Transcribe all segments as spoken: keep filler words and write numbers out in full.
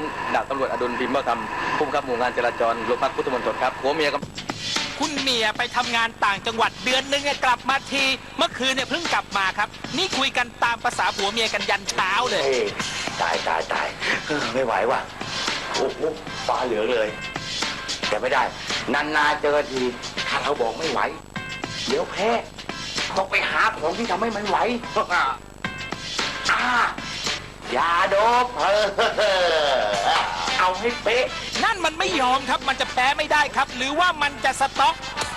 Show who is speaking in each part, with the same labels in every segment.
Speaker 1: ดาบตำรวจอดุลพิมพ์เบ้าธรรมผู้บังคับหมู่งานจราจรโรงพักพุทธมณฑลครับผัวเมียกับ
Speaker 2: คุณเมียไปทำงานต่างจังหวัดเดือนหนึ่งกลับมาทีเมื่อคืนเนี่ยเพิ่งกลับมาครับนี่คุยกันตามภาษาผัวเมียกันยันเช้าเลย
Speaker 3: ตายตายตายไม่ไหวว่ะโอ้โหฟ้าเหลืองเลยแต่ไม่ได้นานๆเจอทีถ้าเราบอกไม่ไหวเดี๋ยวแพ้ต้องไปหาของที่ทำให้มันไหวอ่ายาโดบเออเอาให้เป๊ะ
Speaker 2: นั่นมันไม่ยอมครับมันจะแพ้ไม่ได้ครับหรือว่ามันจะสต็อก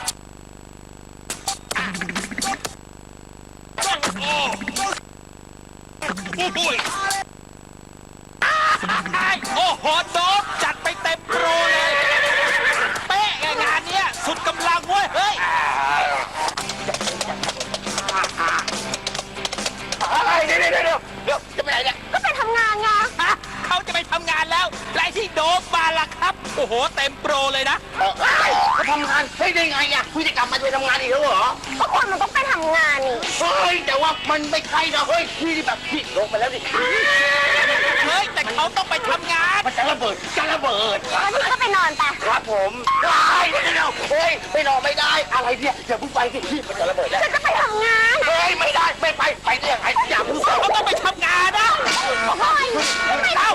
Speaker 2: โอ้โหโดบจัดไปเต็มโปรเลยเป๊ะไงงานเนี้ยสุดกำลังเว้ยเฮ้ย
Speaker 3: อะไรเดี๋ยวเดี๋ยวเดี๋ยวเดี๋ยวจะไปไหนเนี่ย
Speaker 4: ก็ไปทำงานไง
Speaker 2: เขาจะไปทำงานแล้วและที่โดบมาล่ะครับโอ้โหเต็มโปรเลยนะ
Speaker 3: จะทำงานเฮ้ยได้ไงอ่ะคุณจะกลับมาไปทำงานอีกแล้วเหรอ
Speaker 4: ก็คนมันต้องไปทำงานนี่
Speaker 3: เฮ้ยแต่ว่ามันไม่ใช่นะเฮ้ยพี่แบบพี่ลงไปแล้วดิ
Speaker 2: เฮ้ยแต่เขาต้องไปทำงาน
Speaker 3: มันจะระเบิดจะระเบิด
Speaker 4: แล้วพี่ก็ไปนอนไป
Speaker 3: ครับผมไอ้เดี๋ยวเฮ้ยไปนอนไม่ได้อะไรเนี่ยอย่าเพิ่งไปสิพี่มันจะระเบิดแล้ว
Speaker 4: จะไปทำงาน
Speaker 3: เฮ้ยไม่ได้ไม่ไปไปเรื่องไอ้อย่าเพิ่งไป
Speaker 2: เขาต้องไปทำงานนะ
Speaker 4: เฮ้ยไม่
Speaker 2: เอา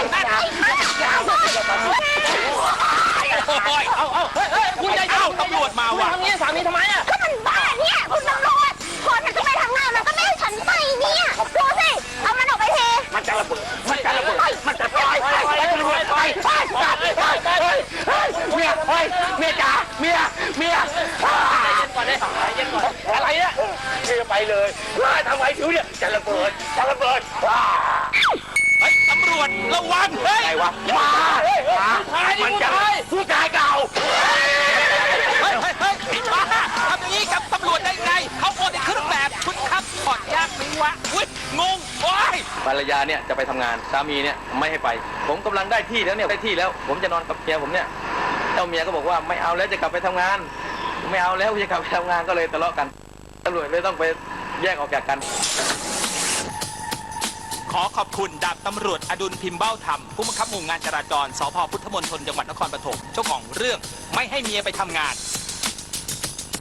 Speaker 4: เอา
Speaker 2: เอาเอาเฮ้ยเฮ้ยคุณยายเอาตำรวจมาว่ะ
Speaker 3: ทำเงี้ยสามีทำไมอ่ะ
Speaker 4: ก็มันบ้าเนี่ยคุณตำรวจคนมันจะไปทำงานมันก็ไม่ให้ฉันไปเนี่ยดูสิเอามันออกไปที
Speaker 3: มันจะระเบิดมันจะระเบิดมันจะไปไปไปไปไปเมียเฮ้ยเมียจ๋าเมียเมีย
Speaker 2: ก่อนเลยเย็นก่อน
Speaker 3: อะไรเนี่ยเมียไปเลยทำไมผิวเนี่ยจะระเบิดจะระเบิด
Speaker 2: เฮ้ยตำรวจระวังเฮ้ย
Speaker 3: ไงวะมามันจะผู้ชายเก่า
Speaker 2: เฮ้ยเฮ้ยเฮ้ยมาทำอย่างนี้กับตำรวจได้ไงเขาโอนในเครื่องแบบคุณครับถอดยากไหมวะอุ้ยงงโอ้ย
Speaker 1: ภรรยาเนี่ยจะไปทำงานสามีเนี่ยไม่ให้ไปผมกำลังได้ที่แล้วเนี่ยได้ที่แล้วผมจะนอนกับเมียผมเนี่ยเจ้าเมียก็บอกว่าไม่เอาแล้วจะกลับไปทำงานไม่เอาแล้วจะกลับไปทำงานก็เลยทะเลาะกันตำรวจเลยต้องไปแยกออกจากกัน
Speaker 2: ขอขอบคุณดาบตำรวจอดุลพิมพ์เบ้าธรรมผู้บังคับหมู่งานจราจรสภ.พุทธมณฑลจังหวัดนครปฐมเจ้าของเรื่องไม่ให้เมียไปทำงาน